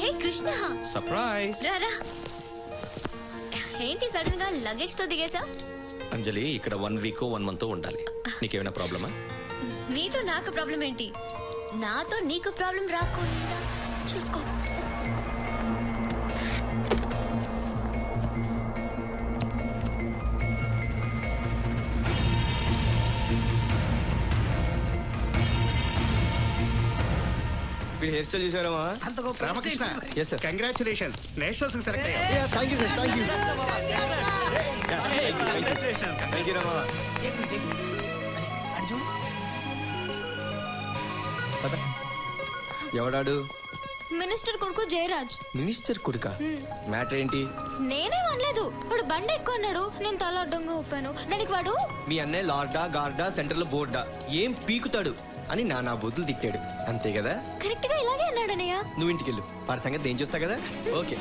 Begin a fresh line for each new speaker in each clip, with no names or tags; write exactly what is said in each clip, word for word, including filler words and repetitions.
హే Krishna,
surprise.
రారా. ఏంటి sudden గా లగేజ్ తో దిగేసా?
అంజలి, ఇక్కడ వన్ వీక్ వన్ మంత్ ఉండాలి. నీకేమైనా ప్రాబ్లమా?
నీతో నాకు ప్రాబ్లం ఏంటి? నాతో నీకు ప్రాబ్లం రాకుండా చూసుకో.
హెయిర్ స్టైల్ చూసారమ్మా?
Ramakrishna,
yes sir.
Congratulations, nationals కి సెలెక్ట్ అయ్యావు.
Thank you sir, thank you. Thank you Rama. ఎవడాడు?
మినిస్టర్ కొడుకు జయరాజ్.
మినిస్టర్ కొడుకా? మ్యాటర్ ఏంటి?
నేనే అనలేదు, వాడు బండి ఎక్కువ అన్నాడు, నేను తల అడ్డంగా ఊపాను. దానికి వాడు
మీ అన్నయ్య లార్డా గార్డా సెంటర్ లో బోర్డా ఏం పీకుతాడు అని నా నా బొద్దులు తిట్టాడు, అంతే కదా?
కరెక్ట్ గా ఇలాగే అన్నాడు అన్నయ్య.
నువ్వు ఇంటికి వెళ్ళు, వాడి సంగతి నేను చూస్తా కదా. ఓకే,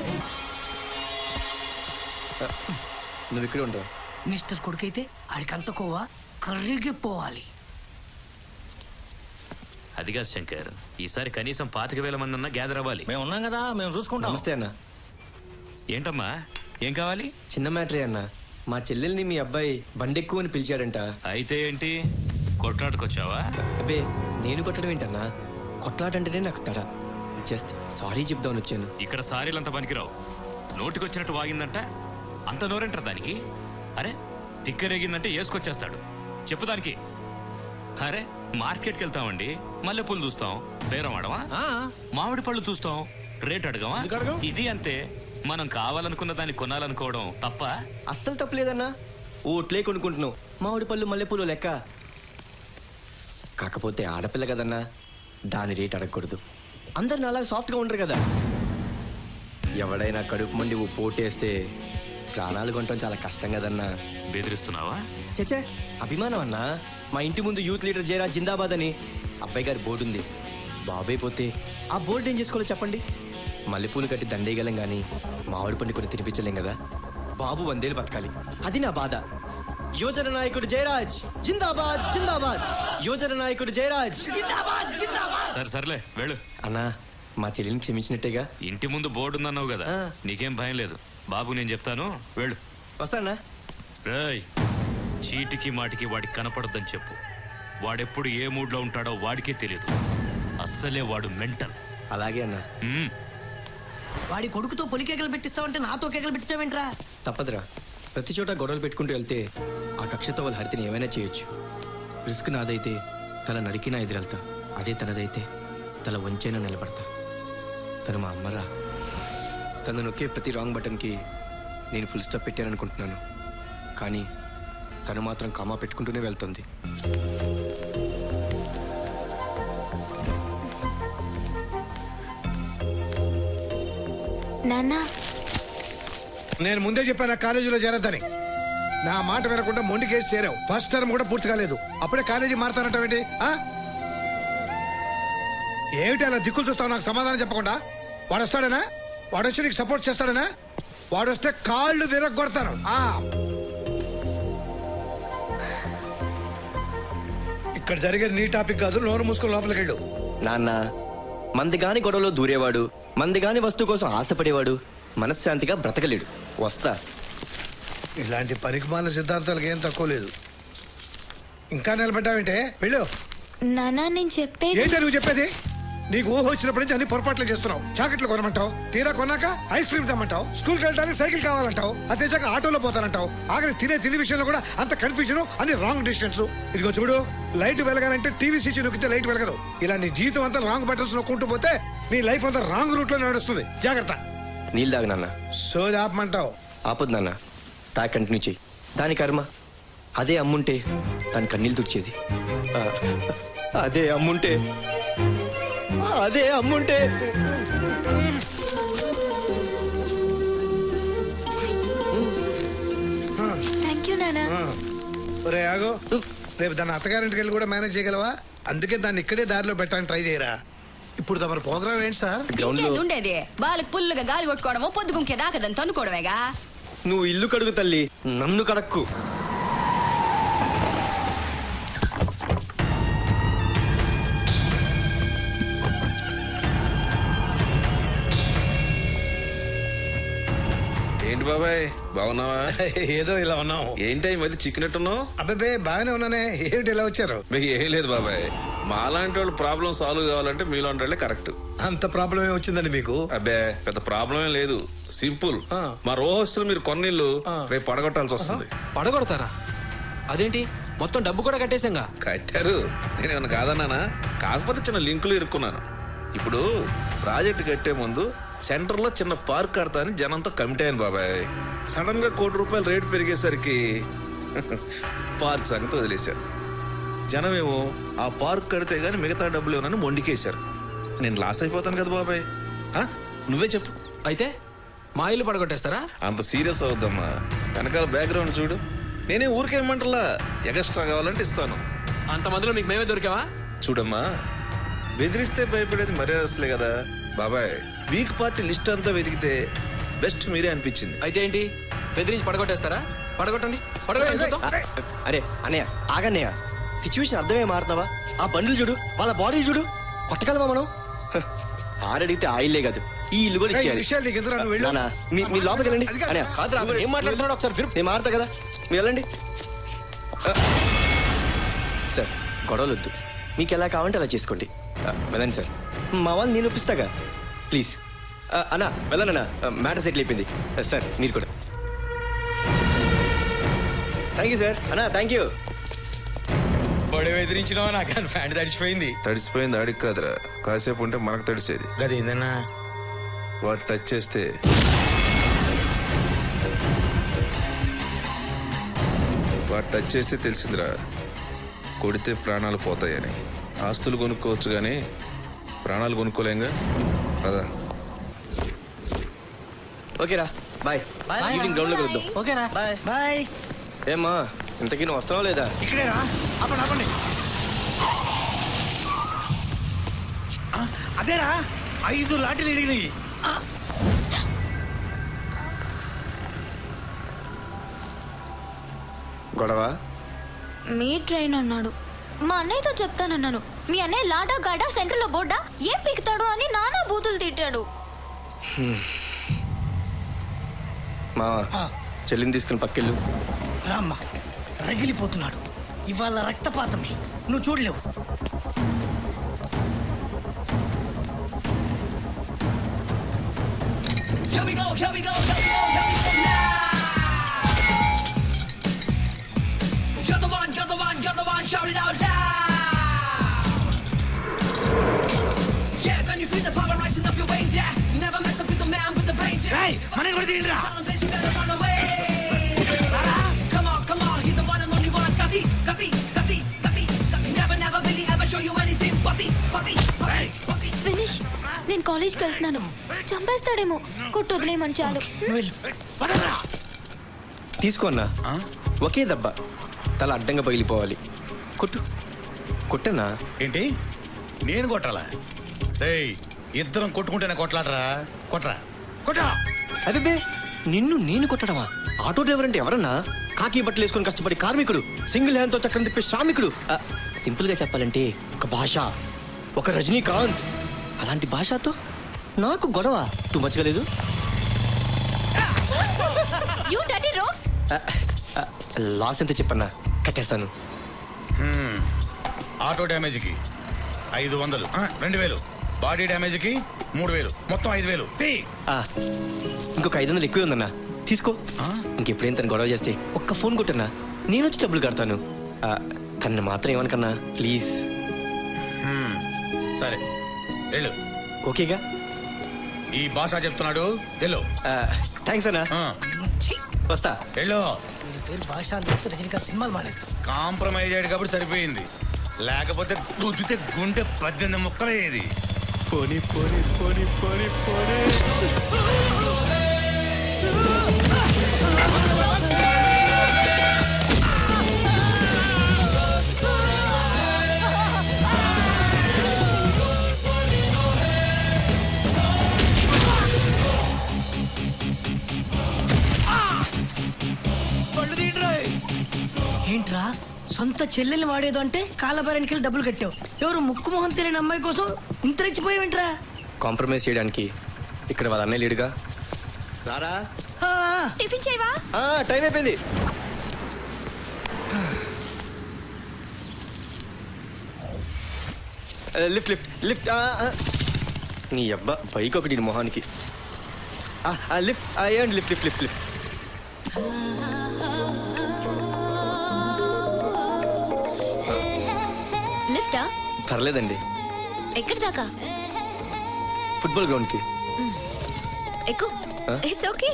నువ్వు ఇక్కడే ఉంటావు.
మినిస్టర్ కొడుకైతే ఆడికంత కోవా కర్రీకి పోవాలి.
అదిగా శంకర్, ఈసారి కనీసం పాతిక వేల మంది అన్నా గ్యాదర్ అవ్వాలి.
మేము ఉన్నాం కదా, మేము చూసుకుంటాం.
నమస్తే అన్న.
ఏంటమ్మా, ఏం కావాలి?
చిన్న మ్యాటరే అన్న, మా చెల్లెల్ని మీ అబ్బాయి బండెక్కువ అని పిలిచాడంట.
అయితే ఏంటి, కొట్లాడుకొచ్చావా?
అబ్బే, నేను కొట్టడం ఏంటన్నా, కొట్లాడంటేనే నాకు తడ. జస్ట్ సారీ చెప్దామని వచ్చాను.
ఇక్కడ సారీలంతా పనికిరావు. నోటికొచ్చినట్టు వాగిందంట, అంత నోరేంటారు దానికి? అరే, తిక్కరేగిందంటే వేసుకొచ్చేస్తాడు. చెప్పు దానికి. అరే, మార్కెట్కి వెళ్తామండి, మల్లెపూలు చూస్తాం, బేరం ఆడమా? మామిడి పళ్ళు చూస్తాం, రేట్ అడగమా? ఇది అంతే. మనం కావాలనుకున్న దాన్ని కొనాలనుకోవడం తప్ప?
అస్సలు తప్పలేదన్నా, ఓట్లే కొనుక్కుంటున్నావు, మామిడి పళ్ళు మల్లెపూలు లెక్క. కాకపోతే ఆడపిల్ల కదన్నా, దాని రేట్ అడగకూడదు. అందరు నాలా సాఫ్ట్గా ఉండరు కదా. ఎవడైనా కడుపు మండి ఓ పోటేస్తే ప్రాణాలు కొనటం చాలా కష్టం కదన్నా.
బెదిరిస్తున్నావా?
చచ్చే, అభిమానం అన్నా. మా ఇంటి ముందు యూత్ లీడర్ జయరాజ్ జిందాబాద్ అని అబ్బాయి గారి బోర్డు ఉంది. బాబాయ్ పోతే ఆ బోర్డు ఏం చేసుకోవాలో చెప్పండి? మల్లెపూలు కట్టి దండేయగలం కానీ మామిడి పండు కొన్ని తినిపించలేం కదా. బాబు వందేలు బతకాలి, అది నా బాధ. యువజన నాయకుడు జయరాజ్ జిందాబాద్ జిందాబాద్. యువజన నాయకుడు జయరాజ్ జిందాబాద్ జిందాబాద్.
సరే సర్లే, వెళ్ళు.
అన్నా, మా చెల్లిని క్షమించినట్టేగా?
ఇంటి ముందు బోర్డు ఉందన్నావు కదా,
ఆ.
నీకేం భయం లేదు. బాబు నేను చెప్తాను, వెళ్ళు.
వస్తానా?
రేయ్, చీటికి మాటికి వాడికి కనపడద్దని చెప్పు. వాడెప్పుడు ఏ మూడ్లో ఉంటాడో వాడికే తెలియదు. అస్సలే వాడు మెంటల్.
అలాగే అన్నా.
మ్మ్.
వాడి కొడుకుతో పొలి కేకలు పెట్టిస్తావంటే నాతో కేకలు పెట్టిస్తావేంట్రా?
తప్పదురా, ప్రతి చోట గొడవలు పెట్టుకుంటూ వెళ్తే ఆ కక్షతో వాళ్ళ హరితని ఏమైనా చేయొచ్చు. రిస్క్ నాదైతే తల నరికినా ఎదురెళ్తా, అదే తనదైతే తల వంచైనా నిలబడతా. తను మా అమ్మరా. తను నొక్కే ప్రతి రాంగ్ బటన్కి నేను ఫుల్ స్టాప్ పెట్టాననుకుంటున్నాను, కానీ తను మాత్రం కామా పెట్టుకుంటూనే వెళ్తుంది.
నాన్న,
నేను ముందే చెప్పాను కాలేజీలో చేరద్దని. నా మాట వినకుండా మొండి కేసు చేరావు. ఫస్ట్ టర్మ్ కూడా పూర్తి కాలేదు, అప్పుడే కాలేజీ మారుతానంటావేంటి? ఏమిటి అలా దిక్కులు చూస్తావు నాకు సమాధానం చెప్పకుండా? వాడు వస్తాడనా? వాడు వచ్చి నీకు సపోర్ట్ చేస్తాడనా? వాడు వస్తే కాళ్ళు విరగొడతాను. ఇక్కడ జరిగేది నీ టాపిక్ కాదు, నోరు మూసుకుని లోపలికి వెళ్ళు.
నాన్న, మందిగాని గొడవలో దూరేవాడు, మందిగాని వస్తువు కోసం ఆశపడేవాడు మనశ్శాంతిగా బ్రతకలేడు. వస్తా.
ఇలాంటి పరికమాల సిద్ధాంతాలకు ఏం తక్కువ లేదు. ఇంకా నిలబడ్డావేంటే? వెళ్ళు.
నాన్న, నేను చెప్పేది
ఏంటో నువ్వు చెప్పేది? నీకు ఊహ వచ్చినప్పటి నుంచి అన్ని పొరపాట్లు చేస్తున్నావు. చాకెట్లు కొనమంటావు, తీరా కొన్నాక ఐస్ క్రీమ్ తెమ్మంటావు, స్కూల్కి వెళ్ళడానికి సైకిల్ కావాలంటావు, అదే చాక ఆటోలో పోతానంటావు. ఆఖరి తినే తినే విషయంలో కూడా అంత కన్ఫ్యూజన్, అన్ని రాంగ్ డిసిషన్స్. ఇదిగో చూడు, లైట్ వెలగాలంటే టీవీ స్విచ్ నొక్కితే లైట్ వెలగదు. ఇలా నీ జీవితం అంతా రాంగ్ బటన్స్ నొక్కుంటూ పోతే నీ లైఫ్ అంతా రాంగ్ రూట్ లో నడుస్తుంది. జాగ్రత్త.
నీళ్ళు తాగు నాన్న.
సోది ఆపమంటావు?
ఆపొద్దు నాన్న, తా కంటిన్యూ చెయ్యి. దాని కర్మ. అదే అమ్ముంటే దాని కన్నీళ్ళు తుడిచేది. ఆ, అదే అమ్ముంటే అదే అమ్ముంటే
థ్యాంక్ యూ నాన్న.
ఒరే ఆగో, రేపు దాన్ని అత్తగారింటికి వెళ్ళి కూడా మేనేజ్ చేయగలవా? అందుకే దాన్ని ఇక్కడే దారిలో పెట్టడానికి ట్రై చేయరా. ఇప్పుడు తమ ప్రోగ్రామ్ ఏంటి సార్?
ఉండేది వాళ్ళకి పుల్లుగా గాలి కొట్టుకోవడము, పొద్దుగుంకే దాకదని తనుకోవడమేగా.
నువ్వు ఇల్లు కడుగు తల్లి, నన్ను కడక్కు.
బాబాయ్ బాగున్నావా?
ఏదో ఇలా ఉన్నాం.
ఏంటి ఈ మధ్య చిక్కినట్టున్నావు?
అబ్బాయి బాగానే ఉన్నానే, ఏమిటి ఇలా వచ్చారు?
బే, ఏం లేదు బాబాయ్, మాలాంటి వాళ్ళు ప్రాబ్లం సాల్వ్ కావాలంటే మీలాంటి వాళ్ళే కరెక్ట్.
అంత ప్రాబ్లం ఏమి వచ్చిందండి మీకు?
అబ్బే పెద్ద ప్రాబ్లం ఏం లేదు, సింపుల్.
ఆ.
మా రోహస్తులు మీరు కొన్నిళ్ళు
ఆ.
రేపు పడగొట్టాల్సి వస్తుంది.
పడగొడతారా? అదేంటి, మొత్తం డబ్బు కూడా కట్టేశాంగా.
కట్టారు, నేనేమన్నా కాదన్నానా? కాకపోతే చిన్న లింకులు ఇరుక్కున్నాను. ఇప్పుడు ప్రాజెక్ట్ కట్టే ముందు సెంటర్లో చిన్న పార్క్ కడతానని జనంతో కమిటీ అయ్యాను బాబాయ్. సడన్ గా కోటి రూపాయలు రేటు పెరిగేసరికి పార్క్ సంగతి వదిలేశారు. జనమేమో ఆ పార్క్ కడితే గానీ మిగతా డబ్బులు ఏమన్నా మొండికేశారు. నేను లాస్ అయిపోతాను కదా బాబాయ్. ఆ? నువ్వే చెప్పు.
అయితే మా ఇల్లు పడగొట్టేస్తారా?
అంత సీరియస్ అవుద్దమ్మా, వెనకాల బ్యాక్గ్రౌండ్ చూడు. నేనే ఊరికేమంటలా, ఎక్స్ట్రా కావాలంటే ఇస్తాను.
అంతమందిలో మీకు మేమే దొరికావా?
చూడమ్మా, బెదిరిస్తే భయపడేది మర్యాదస్తులే కదా బాబాయ్. వీక్ పార్టీ లిస్ట్ అంతా వెతికితే బెస్ట్ మీరే అనిపించింది.
అయితే ఏంటి, బెదిరించి పడగొట్టేస్తారా? పడగొట్టండి, పడగొట్టండి చూద్దాం.
అరే అన్నయ్య ఆగన్నయ్య, సిచ్యువేషన్ అర్థమే మారుతున్నావా? ఆ బండ్లు చూడు, వాళ్ళ బాడీలు చూడు, కొట్టగలమా మనం? హ, ఆడడిగితే ఆయిల్లే కాదు, ఈ ఇల్లు కూడా
ఏయ్, ఈ
ఇచ్చేయాలి.
విషయాలు నీకు ఎందుకు రా, నువ్వు వెళ్ళు.
నాన్న, మీ మీ లోపలికి వెళ్ళండి.
అది కాదు.
అన్నయ్య
కాదురా, అతను ఏం మాట్లాడుతున్నాడు ఒకసారి విను.
నేను మారుతా కదా, మీరు వెళ్ళండి. ఆ, సార్ గొడవలు వద్దు, మీకు ఎలా కావాలంటే అలా చేసుకోండి. ఆ, వెళ్ళండి సార్, మా వాళ్ళు నేను ఒప్పిస్తాగా, ప్లీజ్. ఆ, అన్నా వెళ్ళనన్నా, మ్యాటర్ సెటిల్ అయిపోయింది. ఆ, సార్ మీరు కూడా. Thank you sir. అన్నా థ్యాంక్ యూ.
బొడి ఎదిరించినావా? నాకు ఫ్యాంట్ తడిచిపోయింది.
తడిసిపోయింది ఆడికి కాదురా, కాసేపు ఉంటే మనకు తడిసేది.
గదేందన్నా?
వాడు టచ్ చేస్తే వాడు టచ్ చేస్తే తెలిసిందిరా, కొడితే ప్రాణాలు పోతాయని. ఆస్తులు కొనుక్కోవచ్చు కానీ ప్రాణాలు కొనుక్కోలేంగా కదా.
ఓకేరా బాయ్. ఈవినింగ్ గ్రౌండ్లో కలుద్దాం.
ఓకేరా బాయ్ బాయ్.
ఏమ్మా ఇంతకీ నువ్వు వస్తున్నావు లేదా?
ఇక్కడేరా, ఆపండి ఆపండి. ఆ, అదేరా, ఐదు లాఠీలు ఇరిగినాయి.
గొడవ
మీ ట్రైన్ అన్నాడు, మా అన్నయ్యతో చెప్తానన్నాను. మీ అన్నయ్య లాడా గాడా సెంటర్లో బోర్డా ఏం పీకుతాడు అని నానా బూతులు తిట్టాడు.
మా చెల్లిని తీసుకుని పక్కెళ్ళు.
రామ్మ, రగిలిపోతున్నాడు. ఇవాళ రక్తపాతమే, నువ్వు చూడలేవు. Here we go, here we go, here we go, here we go now. You're the one, you're the one, you're the one, shout it out loud. Yeah, can you feel the power rising up your veins? Yeah, you never mess up with the man with the brains. Yeah,
ఏయ్, మనకి కూడా తీయండిరా.
Down place, you better run away. Come on, come on, he's the one and only one. Kati, Kati, Kati, Kati, Kati. Never, never really ever show you any sympathy. Pati, pati, pati.
Finish, నేను కాలేజ్కి వెళ్తున్నాను. చంపేస్తాడేమో, కొట్టు వదిలేయమని చాలు.
తీసుకో అన్నా, ఒకే దెబ్బ, తల అడ్డంగా పగిలిపోవాలి. కొట్టు కొట్టన్నా.
ఏంటి, నేను కొట్టాలా? రేయ్, ఇద్దరం కొట్టుకుంటేనే కొట్లాడరా? కొట్రా కొట్టా.
అదే నిన్ను నేను కొట్టడమా? ఆటో డ్రైవర్ అంటే ఎవరన్నా? కాకి బట్టలు వేసుకొని కష్టపడి కార్మికుడు, సింగిల్ హ్యాండ్ తో చక్రం తిప్పే శ్రామికుడు. ఆ, సింపుల్ గా చెప్పాలంటే ఒక భాష, ఒక రజనీకాంత్. అలాంటి భాషతో నాకు గొడవ టూ మచ్గా లేదు.
You dirty rogues.
లాస్ ఎంత చెప్పన్నా, కట్టేస్తాను.
ఆటో డ్యామేజ్కి ఐదు వందలు, ఆ, రెండు వేలు. బాడీ డ్యామేజ్కి మూడు వేలు, మొత్తం ఐదు వేలు. తీ.
ఆ, ఇంకొక ఐదు వందలు ఎక్కువే ఉందన్నా, తీసుకో. ఇంకెప్పుడేం తను గొడవ చేస్తే ఒక్క ఫోన్ కొట్టన్నా, నేను వచ్చి డబ్బులు కడతాను. ఆ, తనని మాత్రం ఏమనుకన్నా ప్లీజ్.
సరే వెళ్ళు.
ఓకేగా?
ఈ భాష చెప్తున్నాడు, వెళ్ళు.
థ్యాంక్స్ అన్నా,
ఆ,
వస్తా.
వెళ్ళు.
పేరు భాష అని తెలిసి రజనీకాంత్ సినిమాలు మానేస్తాం.
కాంప్రమైజ్ అయ్యాడు కాబట్టి సరిపోయింది, లేకపోతే గుద్దితే గుండె పద్దెనిమిది ముక్కలయ్యేది.
పోనీ పోనీ పోనీ పోనీ పోనీ.
ఏంట్రా, సొంత చెల్లెల్ని వాడేదో అంటే కాలబేరానికి వెళ్ళి డబ్బులు కట్టావు. ఎవరు ముక్కు మొహం తెలియని అమ్మాయి కోసం ఇంత రెచ్చిపోయావేంట్రా?
కాంప్రమైజ్ చేయడానికి ఇక్కడ వాళ్ళ అన్నయ్య లేడుగా. రారా.
ఆ,
టిఫిన్ చేయవా?
ఆ, టైం అయిపోయింది. ఆ, లిఫ్ట్ లిఫ్ట్ లిఫ్ట్ ఆ, ఆ. నీ అబ్బా బైక్ ఒకటి నీ మొహానికి. ఆ, ఆ, లిఫ్ట్ ఆ, ఏమండి లిఫ్ట్ లిఫ్ట్ లిఫ్ట్ లిఫ్ట్
లిఫ్టా?
పర్లేదండి.
ఎక్కడి దాకా?
ఫుట్బాల్ గ్రౌండ్కి.
ఎక్కు.
ఆ?
It's okay.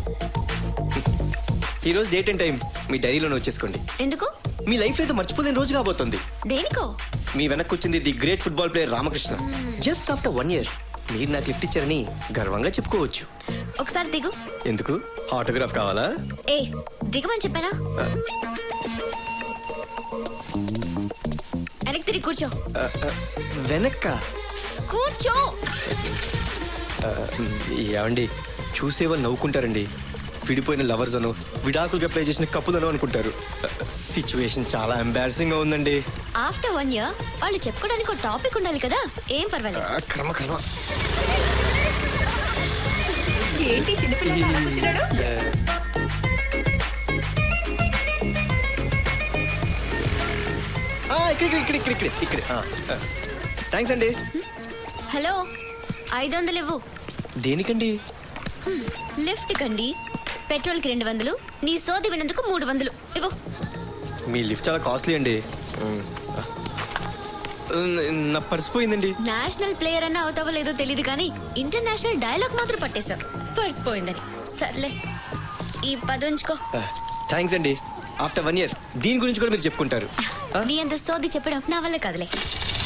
ఈరోజు డేట్ అండ్ టైం మీ డైరీలోనే వచ్చేసుకోండి.
ఎందుకు?
మీ లైఫ్ అయితే మర్చిపోలేని రోజు కాబోతుంది.
దేనికో?
మీ వెనక్కి వచ్చింది the great football player Ramakrishna. Just after one year మీరు నాకు లిఫ్ట్ ఇచ్చారని గర్వంగా చెప్పుకోవచ్చు.
ఒకసారి దిగు.
ఎందుకు? ఆటోగ్రాఫ్ కావాలా?
ఏ దిగమని చెప్పానా? వెనక్కి తిరిగి కూర్చో.
ఆ, ఆ, వెనక్క
కూర్చో.
ఆ, ఏమండి చూసేవాళ్ళు నవ్వుకుంటారండి. విడిపోయిన లవర్స్ అను విడాకులుగా ప్లే చేసిన కప్పులను అనుకుంటారు. సిచ్యువేషన్ చాలా ఎంబారసింగ్ గా ఉందండి.
ఆఫ్టర్ వన్ ఇయర్ వాళ్ళు చెప్పుకోవడానికి ఒక టాపిక్ ఉండాలి కదా. ఏం పర్వాలేదు.
ఆ, కర్మ కర్మ.
ఏంటి చిన్నపిల్లలు అలా కూర్చున్నాడు?
ఆ, ఇక్కడ ఇక్కడ ఇక్కడ ఇక్కడ ఇక్కడ థ్యాంక్స్ అండి.
హలో, ఐదు వందలు ఇవ్వు.
దేనికండి?
లిఫ్ట్ కండి. పెట్రోల్ కి రెండు వందలు, నీ సోది వినందుకు మూడు వందలు ఇవ్వు.
మీ లిఫ్ట్ చాలా కాస్ట్లీ అండి. నా పర్స్ పోయిందండి.
నేషనల్ ప్లేయర్ అన్న అవుతావో లేదో తెలియదు కానీ ఇంటర్నేషనల్ డైలాగ్ మాత్రం పట్టేశావు. పర్స్ పోయిందని. సర్లే, ఈ పది ఉంచుకో.
థ్యాంక్స్ అండి. ఆఫ్టర్ వన్ ఇయర్ దీని గురించి కూడా మీరు చెప్పుకుంటారు.
నీ అంత సోది చెప్పడం నా వల్ల కదలే.